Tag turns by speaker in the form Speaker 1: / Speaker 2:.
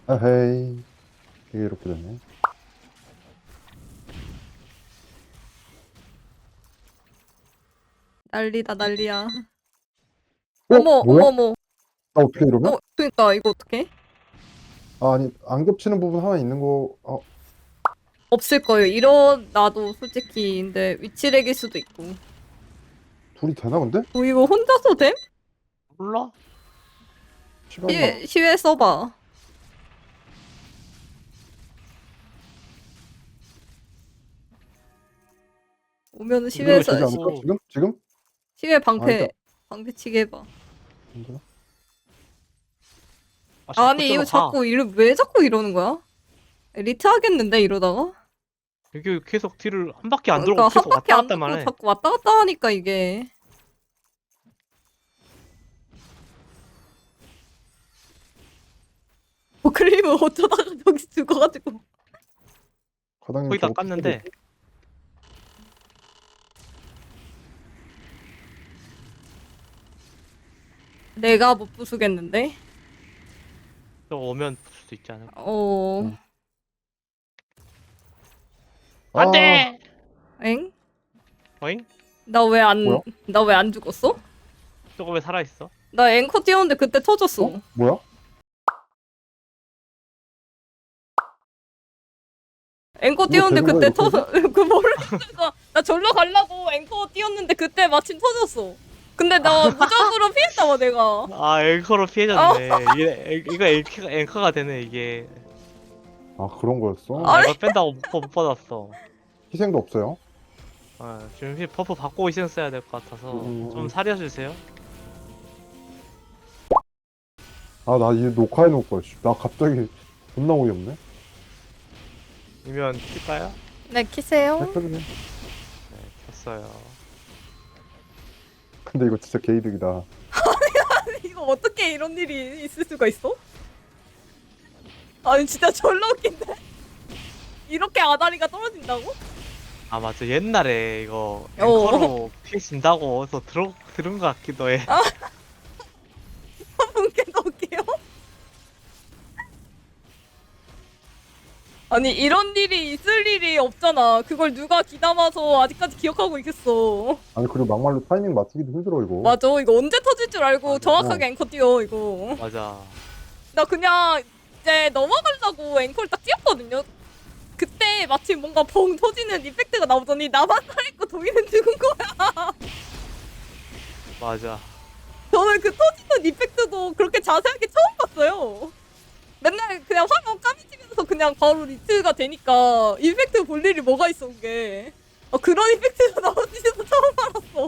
Speaker 1: 아헤이. 이게 이렇게 되네.
Speaker 2: 난리다 난리야.
Speaker 1: 어?
Speaker 2: 어머
Speaker 1: 뭐야?
Speaker 2: 어머머.
Speaker 1: 나 어떻게 이러면?
Speaker 2: 그니까 이거 어떡해?
Speaker 1: 아, 아니, 안 겹치는 부분 하나 있는 거,
Speaker 2: 없을 거예요. 일어나도 솔직히 근데 위치렉일 수도 있고.
Speaker 1: 둘이 되나, 근데?
Speaker 2: 이거 혼자서 됨?
Speaker 3: 몰라?
Speaker 1: 시간만.
Speaker 2: 시외 써봐. 오면은
Speaker 1: 이러면
Speaker 2: 시외에서
Speaker 1: 되지 않을까?
Speaker 3: 오.
Speaker 1: 지금? 지금?
Speaker 2: 시외
Speaker 1: 아, 일단,
Speaker 2: 방패치기 해봐.
Speaker 1: 힘들어?
Speaker 2: 아니 이거 자꾸 왜 자꾸 이러는 거야? 리트 하겠는데 이러다가?
Speaker 3: 이게 계속 뒤를 한 바퀴 안
Speaker 2: 그러니까
Speaker 3: 돌고
Speaker 2: 한
Speaker 3: 계속
Speaker 2: 바퀴
Speaker 3: 왔다
Speaker 2: 안
Speaker 3: 갔다
Speaker 2: 돌고
Speaker 3: 해.
Speaker 2: 자꾸 왔다 갔다 하니까 이게. 클립은 어쩌다가 저기 죽어가지고.
Speaker 1: 과장님
Speaker 3: 거의 다
Speaker 1: 저거
Speaker 3: 깠는데
Speaker 2: 내가 못 부수겠는데?
Speaker 3: 저거 오면 붙을 수 있지 않을까?
Speaker 2: 어...
Speaker 1: 아,
Speaker 3: 안돼!
Speaker 2: 엥?
Speaker 3: 어잉?
Speaker 2: 나 왜
Speaker 1: 뭐야?
Speaker 2: 안 죽었어?
Speaker 3: 저거 왜 살아있어?
Speaker 2: 나 앵커 뛰었는데 그때 터졌어.
Speaker 1: 뭐야?
Speaker 2: 앵커
Speaker 1: 이거
Speaker 2: 뛰었는데
Speaker 1: 되는
Speaker 2: 그때
Speaker 1: 거야, 이거
Speaker 2: 그 모르니까 나 절로 가려고 앵커 뛰었는데 그때 마침 터졌어. 근데 나 무적으로 피했다 봐 내가.
Speaker 3: 아 앵커로 피해졌네. 이거 앵커가 되네 이게.
Speaker 1: 아, 그런 거였어?
Speaker 3: 아 이거 뺀다고 못 받았어.
Speaker 1: 희생도 없어요?
Speaker 3: 아 지금 버프 받고 있어야 될 것 같아서 좀 살려주세요.
Speaker 1: 아, 나 이제 녹화해 놓을 거야. 씨. 나 갑자기 존나 어이없네.
Speaker 3: 이면 킬까요?
Speaker 2: 네 키세요.
Speaker 1: 해표네.
Speaker 3: 네 켰어요.
Speaker 1: 근데 이거 진짜 개이득이다.
Speaker 2: 이거 어떻게 이런 일이 있을 수가 있어? 아니 진짜 졸라 웃긴데? 이렇게 아다리가 떨어진다고?
Speaker 3: 아 맞아 옛날에 이거 앵커로 피해진다고 해서 들은 것 같기도 해.
Speaker 2: 분께 넣을게요. 아니 이런 일이 있을 일이 없잖아. 그걸 누가 귀담아서 아직까지 기억하고 있겠어.
Speaker 1: 아니, 그리고 막말로 타이밍 맞추기도 힘들어, 이거.
Speaker 2: 맞아. 이거 언제 터질 줄 알고
Speaker 3: 맞아.
Speaker 2: 정확하게 앵커 뛰어 이거.
Speaker 3: 맞아.
Speaker 2: 나 그냥 이제 넘어가려고 앵커를 딱 뛰었거든요. 그때 마침 뭔가 벙 터지는 이펙트가 나오더니 나만 살아있고 도희는 죽은 거야.
Speaker 3: 맞아.
Speaker 2: 저는 그 터지는 이펙트도 그렇게 자세하게 처음 봤어요. 맨날 그냥 화면 까미치면서 그냥 바로 리트가 되니까 이펙트 볼 일이 뭐가 있어 그게. 그런 이펙트가 나오는지도 처음 알았어.